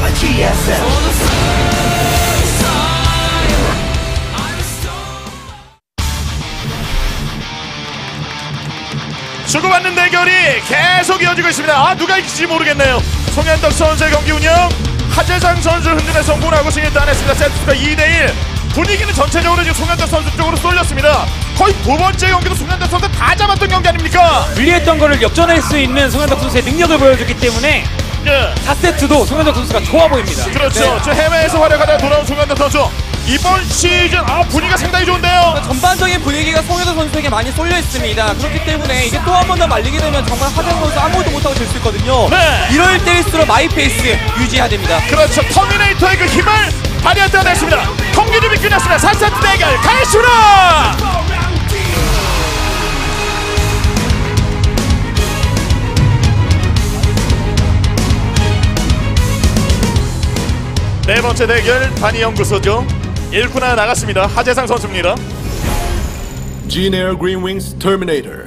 주고받는 대결이 계속 이어지고 있습니다. 아, 누가 이길지 모르겠네요. 송현덕 선수의 경기 운영, 하재상 선수 흔들에 성공을 하고 승리를 따냈습니다. 세트가 2대1. 분위기는 전체적으로 지금 송현덕 선수 쪽으로 쏠렸습니다. 거의 두 번째 경기도 송현덕 선수 다 잡았던 경기 아닙니까? 불리했던 거를 역전할 수 있는 송현덕 선수의 능력을 보여줬기 때문에 4세트도 송현덕 선수가 좋아 보입니다. 그렇죠. 저 해외에서 활약하다 돌아온 송현덕 선수. 이번 시즌 분위기가 상당히 좋은데요. 전반적인 분위기가 송현덕 선수에게 많이 쏠려 있습니다. 그렇기 때문에 이게 또 한 번 더 말리게 되면 정말 하재상 선수 아무것도 못하고 질 수 있거든요. 네. 이럴 때일수록 마이 페이스 유지해야 됩니다. 그렇죠. 터미네이터의 그 힘을 발휘할 때가 됐습니다. 경기 준비 끝났습니다. 4세트 대결 가겠습니다. 네 번째 대결 단위연구소죠. 1쿠나 나갔습니다. 하재상 선수입니다. G-Air Green Wings Terminator.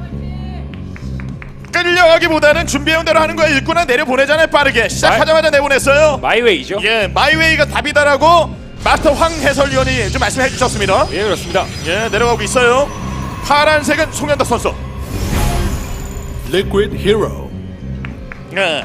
끌려가기보다는 준비해온 대로 하는 거예요. 1쿠나 내려보내잖아요. 빠르게 시작하자마자 내보냈어요. 마이웨이죠. 예, 마이웨이가 답이다라고 마스터 황 해설위원이 좀 말씀해 주셨습니다. 예, 그렇습니다. 예, 내려가고 있어요. 파란색은 송현덕 선수. Liquid Hero. 예.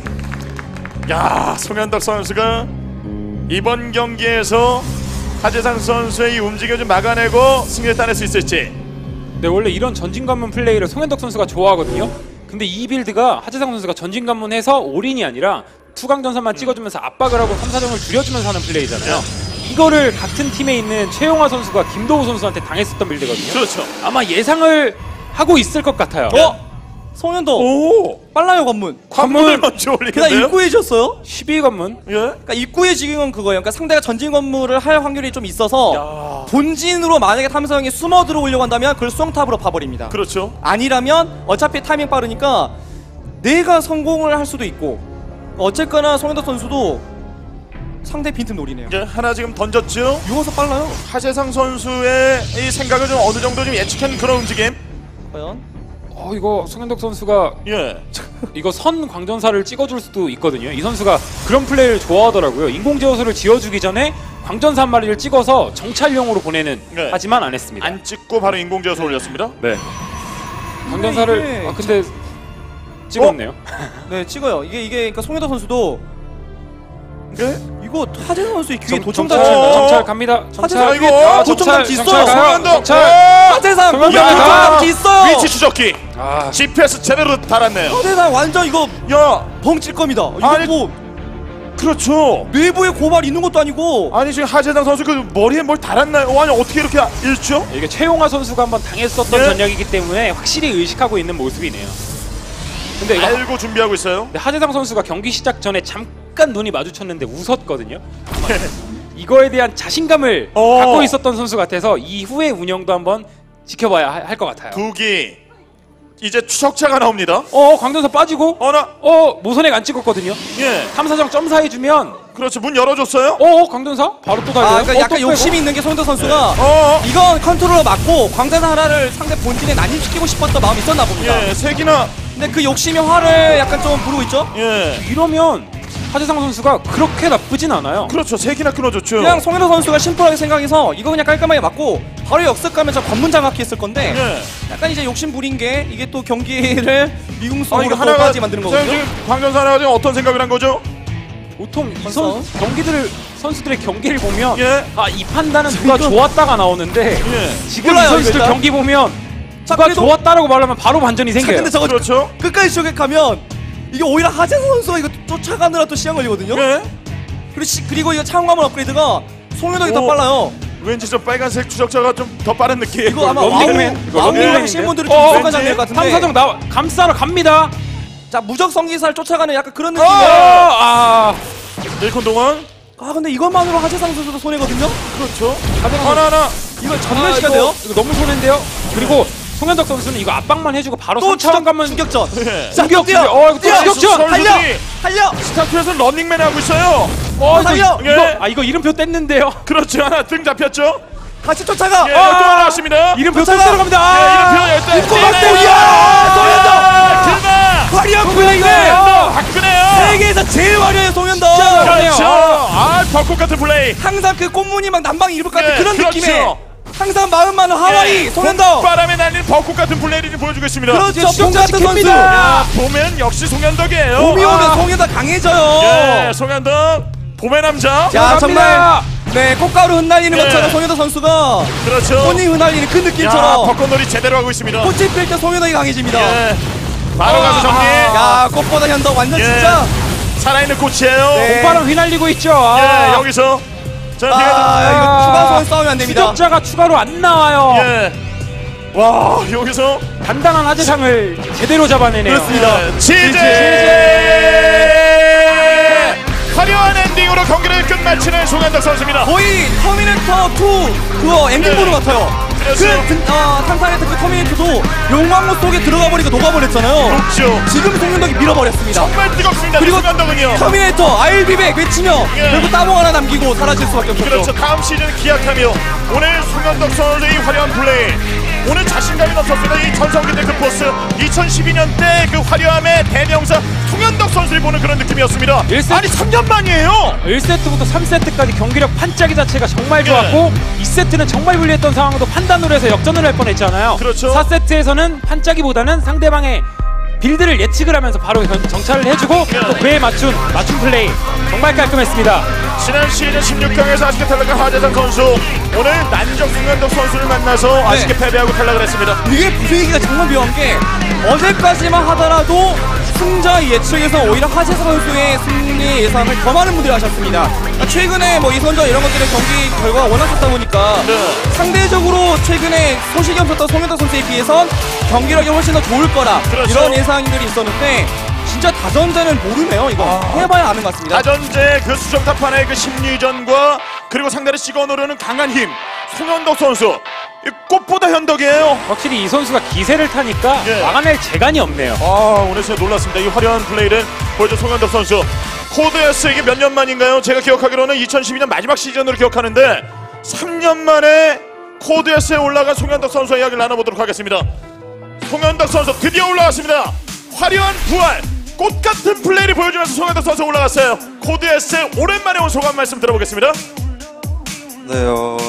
야, 송현덕 선수가 이번 경기에서 하재상 선수의 이 움직임을 좀 막아내고 승리를 따낼 수 있을지. 네, 원래 이런 전진관문 플레이를 송현덕 선수가 좋아하거든요. 근데 이 빌드가 하재상 선수가 전진관문해서 올인이 아니라 투강전선만 찍어주면서 압박을 하고 3사정을 줄여주면서 하는 플레이잖아요. 이거를 같은 팀에 있는 최용화 선수가 김도우 선수한테 당했었던 빌드거든요. 그렇죠. 아마 예상을 하고 있을 것 같아요. 송현덕 오, 빨라요 관문. 관문을 먼저 게다가 올리는데요. 입구에 졌어요. 12관문. 예. 그러니까 입구에 지금은 그거예요. 그러니까 상대가 전진 건물을 할 확률이 좀 있어서 본진으로 만약에 탐사형이 숨어 들어오려고 한다면 그걸 수영탑으로 파버립니다. 그렇죠. 아니라면 어차피 타이밍 빠르니까 내가 성공을 할 수도 있고 어쨌거나 송현덕 선수도 상대 빈틈 노리네요. 예, 하나 지금 던졌죠. 유어서 빨라요. 하재상 선수의 이 생각을 좀 어느 정도 좀 예측한 그런 움직임. 과연? 이거 송현덕 선수가 예. 이거 선 광전사를 찍어줄 수도 있거든요. 이 선수가 그런 플레이를 좋아하더라고요. 인공제어소를 지어주기 전에 광전사 한 마리를 찍어서 정찰용으로 보내는. 네. 하지만 안 했습니다. 안 찍고 바로 인공지어서 올렸습니다. 네. 광전사를 근데 찍었네요. 네, 찍어요. 이게 그러니까 송현덕 선수도 이거 하재상 선수의 귀에 도청장치 있나요? 정찰 갑니다. 하재상 이거 귀에 도청장치 있어요. 송현덕. 하재상 귀에 도청장치 있어. 위치 추적기. GPS 제대로 달았네요. 하재상 완전 이거 야, 벙칠 겁니다. 이거 아니, 뭐 그렇죠. 내부에 고발 있는 것도 아니고. 아니 지금 하재상 선수 그 머리에 뭘 달았나요? 아니 어떻게 이렇게 읽죠? 이게 최용화 선수가 한번 당했었던 네. 전략이기 때문에 확실히 의식하고 있는 모습이네요. 근데 이거 알고 준비하고 있어요. 근데 하재상 선수가 경기 시작 전에 잠깐 눈이 마주쳤는데 웃었거든요. 이거에 대한 자신감을 갖고 있었던 선수 같아서 이후의 운영도 한번 지켜봐야 할 것 같아요. 두기 이제 추적자가 나옵니다. 광전사 빠지고 어나 모선액 안 찍었거든요. 예, 탐사정 점사해주면 그렇죠. 문 열어줬어요. 광전사 바로 또 달려요. 그러니까 약간 또 욕심이 빼고. 있는 게 송현덕 선수가 이건 컨트롤로 맞고 광자사 하나를 상대 본진에 난입시키고 싶었던 마음이 있었나 봅니다. 예, 색이나 근데 그 욕심이 화를 약간 좀 부르고 있죠. 예, 이러면 하재상 선수가 그렇게 나쁘진 않아요. 그렇죠. 색이나 끊어줬죠. 그냥 송현덕 선수가 심플하게 생각해서 이거 그냥 깔끔하게 맞고 바로 역습 가면서 관문 장악기 했을 건데 예. 약간 이제 욕심 부린 게 이게 또 경기를 이거 미궁성으로 하나가 까지 만드는 거거든요. 지금 광전사 하나가 지금 어떤 생각을 한 거죠? 보통 이 벌써? 선수들의 경기를 보면 예. 이 판단은 누가 좋았다가 나오는데 예. 지금 몰라요, 이 선수들 일단. 경기 보면 자, 누가 그래도- 좋았다라고 말하면 바로 반전이 생겨요. 근데 저거 그렇죠. 끝까지 추격하면 이게 오히려 하재선 선수가 이거 쫓아가느라 또 시간 걸리거든요. 예. 그리고 이거 차원관문 업그레이드가 송현덕이 더 오. 빨라요. 왠지 저 빨간색 추적자가 좀 더 빠른 느낌. 이거 아마 런닝맨. 이거 와우 런닝맨인데? 하시는 분들이 좀 익숙한 장면 같은데. 탐사정 감싸러 갑니다. 자, 무적 성기사를 쫓아가는 약간 그런 느낌이에요. 아 1콘 동안. 근데 이것만으로 하재상 선수도 손해거든요. 그렇죠. 하나. 이거 전멸시켜야 돼요. 이거 너무 손해인데요. 그리고 송현덕 선수는 이거 압박만 해주고 바로 또 3차원 가면 추격전. 예. 자, 공격! 뛰어. 이거 또 뛰어. 추격전! 달려. 스타트에서 런닝맨 하고 있어요. 달려. 이거 이름표 뗐는데요. 그렇죠. 하나 등 잡혔죠. 같이 쫓아가. 예, 또 나왔습니다. 이름표 떼 쫓아가. 들어갑니다. 예, 이름표 입고 열대. 갔어요. 이야! 송현덕. 길마. 화려한 송현덕! 플레이네. 화끈해요. 세계에서 제일 화려해 송현덕. 진짜 벚꽃 같은 플레이. 항상 그 꽃무늬 막 난방 입을 것 같은 네, 그런 그렇죠. 느낌의 항상 마음만은 하와이 송현덕. 바람에 날리는 벚꽃 같은 플레이를 지금 보여주고 있습니다. 그렇죠. 봄 진짜 같은 선수. 지킵니다. 야, 보면 역시 송현덕이에요. 봄이 오면 송현덕 강해져요. 예, 송현덕 봄의 남자. 야, 정말 갑니다. 네, 꽃가루 흩날리는 네. 것처럼 송현덕 선수가 그렇죠. 꽃이 흩날리는 그 야, 느낌처럼 벚꽃놀이 제대로 하고 있습니다. 꽃이 필 때 송현덕이 강해집니다. 예. 바로 가서 정리. 야, 꽃보다 현덕 완전 예. 진짜. 살아있는 꽃이에요. 네. 봄바람 휘날리고 있죠. 예, 여기서 자, 아, 이거 추가 소환 싸우면 안 됩니다. 추적자가 추가로 안 나와요. 예. 와, 여기서 단단한 하재상을 제대로 잡아내네요. 그렇습니다. 치제 화려한 엔딩으로 경기를 끝마치는 송현덕 선수입니다. 거의 터미네이터 2 그거 엔딩 네. 보는 것 같아요. 그렇죠. 탐사했던 그 터미네이터도 용광로 속에 들어가 버리고 녹아버렸잖아요. 그렇죠. 지금 송현덕이 밀어버렸습니다. 정말 뜨겁습니다. 그리고 송현덕은요. 터미네이터 알비백 외치며 예. 결국 따봉 하나 남기고 사라질 수밖에 없었죠. 그렇죠. 다음 시즌 기약하며 오늘 송현덕 선수의 화려한 플레이. 오늘 자신감이 넘쳤습니다. 이 전성기대 그 포스 2012년 때 그 화려함의 대명사 송현덕 선수를 보는 그런 느낌이었습니다. 1세트. 아니 3년 만이에요. 1세트부터 3세트까지 경기력 판짜기 자체가 정말 좋았고 2세트는 정말 불리했던 상황도 판단으로 해서 역전을 할 뻔했잖아요. 그렇죠. 4세트에서는 판짜기보다는 상대방의 빌드를 예측을 하면서 바로 정찰을 해주고 또 그에 맞춘 플레이 정말 깔끔했습니다. 지난 시즌 16강에서 아쉽게 탈락한 하재상 선수 오늘 난적 송현덕 선수를 만나서 아쉽게 패배하고 탈락을 했습니다. 이게 분위기가 정말 묘한 게 어제까지만 하더라도 승자 예측에서 오히려 하재석 선수의 승리 예상을 더 많은 분들이 하셨습니다. 최근에 뭐 이선전 이런 것들의 경기 결과가 워낙 좋다 보니까 네. 상대적으로 최근에 소식이 없었던 송현덕 선수에 비해선 경기력이 훨씬 더 좋을 거라 그렇죠. 이런 예상들이 있었는데 진짜 다전제는 모르네요. 이거 해봐야 아는 것 같습니다. 다전제 그 수정탑판의 그 심리전과 그리고 상대를 찍어 누르는 강한 힘 송현덕 선수 이 꽃보다 현덕이에요. 확실히 이 선수가 기세를 타니까 예. 막아낼 재간이 없네요. 아 오늘 진짜 놀랐습니다. 이 화려한 플레이를 보여준 송현덕 선수. 코드에스 이게 몇 년 만인가요? 제가 기억하기로는 2012년 마지막 시즌으로 기억하는데 3년 만에 코드에스에 올라간 송현덕 선수와 이야기를 나눠보도록 하겠습니다. 송현덕 선수 드디어 올라왔습니다. 화려한 부활 꽃같은 플레이를 보여주면서 송현덕 선수 올라갔어요. 코드에스에 오랜만에 온 소감 말씀 들어보겠습니다. 네,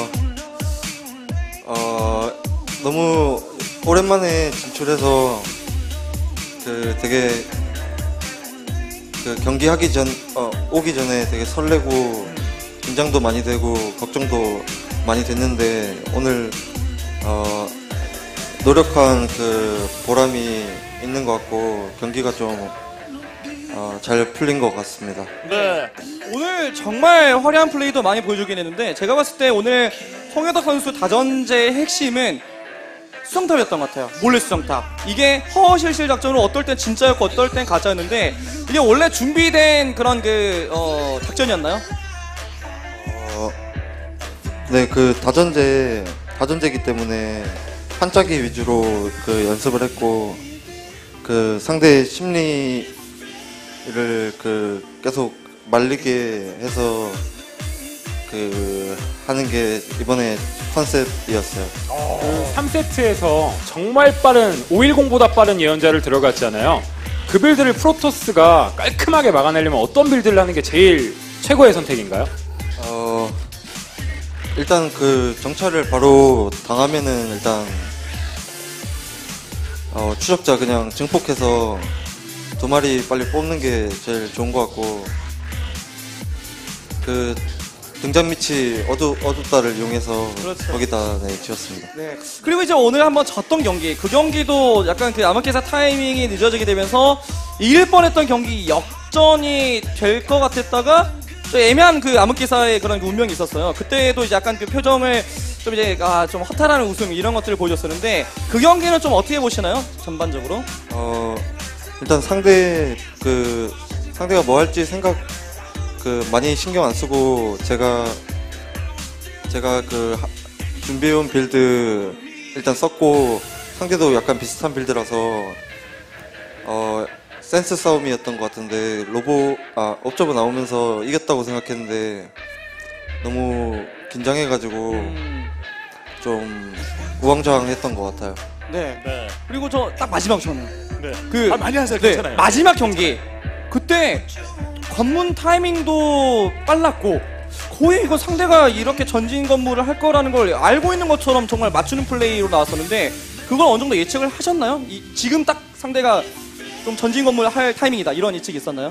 너무 오랜만에 진출해서 되게 경기 오기 전에 되게 설레고 긴장도 많이 되고 걱정도 많이 됐는데 오늘 노력한 그 보람이 있는 것 같고 경기가 좀 잘 풀린 것 같습니다. 네. 오늘 정말 화려한 플레이도 많이 보여주긴 했는데 제가 봤을 때 오늘 송현덕 선수 다전제의 핵심은 수정탑이었던 것 같아요. 몰래 수정탑. 이게 허허실실 작전으로 어떨 땐 진짜였고 어떨 땐 가짜였는데 이게 원래 준비된 그런 작전이었나요? 네, 그 다전제이기 때문에 판짜기 위주로 그 연습을 했고 그 상대의 심리를 계속 말리게 해서 하는 게 이번에 컨셉이었어요. 3세트에서 정말 빠른 510보다 빠른 예언자를 들어갔잖아요. 그 빌드를 프로토스가 깔끔하게 막아내려면 어떤 빌드를 하는 게 제일 최고의 선택인가요? 일단 그 정찰을 바로 당하면은 일단 추적자 그냥 증폭해서 2마리 빨리 뽑는 게 제일 좋은 것 같고 그 등잔 밑이 어둡다를 이용해서 그렇죠. 거기다 지었습니다. 네. 그리고 이제 오늘 한번 졌던 경기, 그 경기도 약간 그 아마케사 타이밍이 늦어지게 되면서 이길 뻔했던 경기 역전이 될 것 같았다가 좀 애매한 그 아마케사의 그런 그 운명이 있었어요. 그때도 이제 약간 그 표정을 좀 이제 좀 허탈하는 웃음 이런 것들을 보여줬었는데 그 경기는 좀 어떻게 보시나요? 전반적으로? 일단 상대가 뭐 할지 많이 신경 안 쓰고 제가 준비해온 빌드 일단 썼고 상대도 약간 비슷한 빌드라서 센스 싸움이었던 것 같은데 업저버 나오면서 이겼다고 생각했는데 너무 긴장해가지고 좀 우왕좌왕했던 것 같아요. 네. 네. 그리고 저 딱 마지막 저는 네. 많이 하세요. 네, 괜찮아요. 마지막 경기 그때 관문 타이밍도 빨랐고 거의 이거 상대가 이렇게 전진 건물을 할 거라는 걸 알고 있는 것처럼 정말 맞추는 플레이로 나왔었는데 그걸 어느 정도 예측을 하셨나요? 지금 딱 상대가 좀 전진 건물 할 타이밍이다 이런 예측이 있었나요?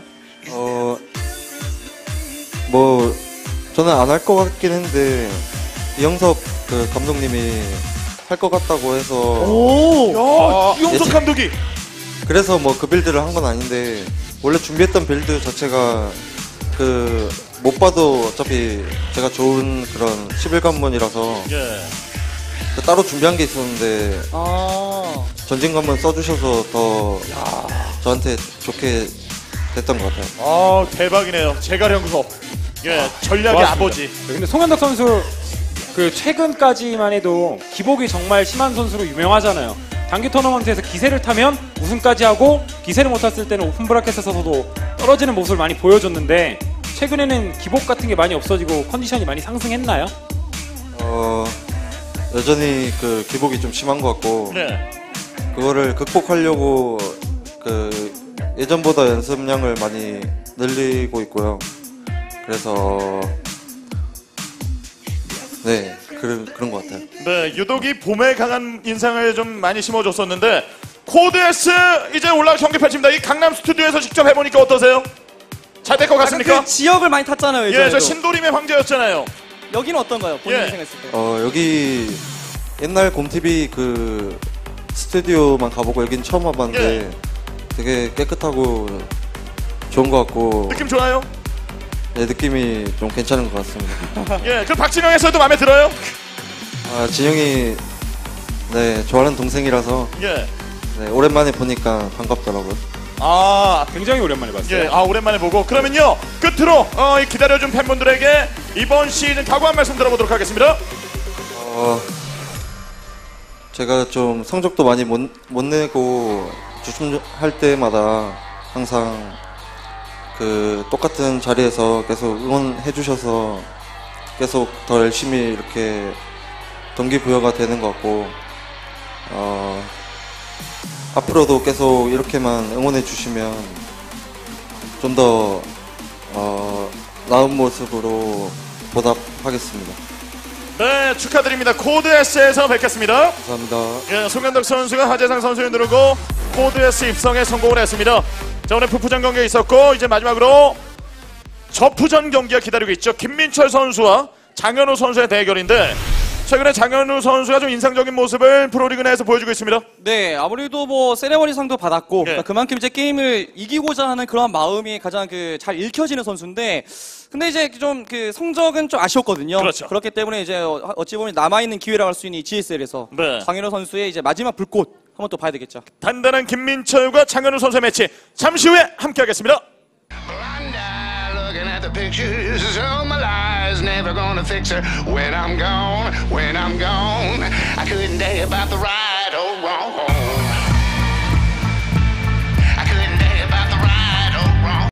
뭐 저는 안 할 것 같긴 했는데 이영섭 그 감독님이 할 것 같다고 해서 오! 이용석 예측- 감독이 그래서 뭐 그 빌드를 한 건 아닌데 원래 준비했던 빌드 자체가 그 못 봐도 어차피 제가 좋은 그런 11관문이라서 예. 따로 준비한 게 있었는데 아. 전진관문 써주셔서 더 저한테 좋게 됐던 것 같아요. 아 대박이네요. 제갈연구소. 예, 전략의 좋았습니다. 아버지. 근데 송현덕 선수 그 최근까지만 해도 기복이 정말 심한 선수로 유명하잖아요. 단기 토너먼트에서 기세를 타면 우승까지 하고 기세를 못 탔을 때는 오픈 브라켓에서도 떨어지는 모습을 많이 보여줬는데 최근에는 기복 같은 게 많이 없어지고 컨디션이 많이 상승했나요? 여전히 그 기복이 좀 심한 것 같고 네. 그거를 극복하려고 그 예전보다 연습량을 많이 늘리고 있고요. 그래서 네 그런 것 같아요. 네, 유독이 봄에 강한 인상을 좀 많이 심어줬었는데 코드 S 이제 올라가 경기 펼칩니다. 이 강남 스튜디오에서 직접 해보니까 어떠세요? 잘 될 것 같습니까? 그 지역을 많이 탔잖아요. 예, 예전에도. 저 신도림의 황제였잖아요. 여기는 어떤가요? 본인이 예. 생각했을 때. 여기 옛날 곰TV 그 스튜디오만 가보고 여긴 처음 와봤는데 되게 깨끗하고 좋은 것 같고 느낌 좋아요? 네, 느낌이 좀 괜찮은 것 같습니다. 예, 그 박진영 해설도 마음에 들어요? 진영이 네 좋아하는 동생이라서 예. 네, 오랜만에 보니까 반갑더라고요. 아, 굉장히 오랜만에 봤어요. 예, 오랜만에 보고 그러면요 끝으로 이 기다려준 팬분들에게 이번 시즌 각오 한 말씀 들어보도록 하겠습니다. 제가 좀 성적도 많이 못 내고 주춤할 때마다 항상 그 똑같은 자리에서 계속 응원해 주셔서 계속 더 열심히 이렇게 동기부여가 되는 것 같고 앞으로도 계속 이렇게만 응원해 주시면 좀 더 나은 모습으로 보답하겠습니다. 네, 축하드립니다. 코드 S에서 뵙겠습니다. 감사합니다. 예, 송현덕 선수가 하재상 선수를 누르고 코드 S 입성에 성공을 했습니다. 자, 오늘 푸푸전 경기가 있었고 이제 마지막으로 저푸전 경기가 기다리고 있죠. 김민철 선수와 장현우 선수의 대결인데 최근에 장현우 선수가 좀 인상적인 모습을 프로리그 내에서 보여주고 있습니다. 네, 아무래도 뭐 세레머니 상도 받았고 예. 그러니까 그만큼 이제 게임을 이기고자 하는 그런 마음이 가장 그 잘 읽혀지는 선수인데 근데 이제 좀 그 성적은 좀 아쉬웠거든요. 그렇죠. 그렇기 때문에 이제 어찌 보면 남아 있는 기회라고 할 수 있는 이 GSL에서 네. 장현우 선수의 이제 마지막 불꽃 한번 또 봐야 되겠죠. 단단한 김민철과 장현우 선수의 매치 잠시 후에 함께하겠습니다. Looking at the pictures of my lies, never gonna fix her when I'm gone, when I'm gone. I couldn't tell you about the ride.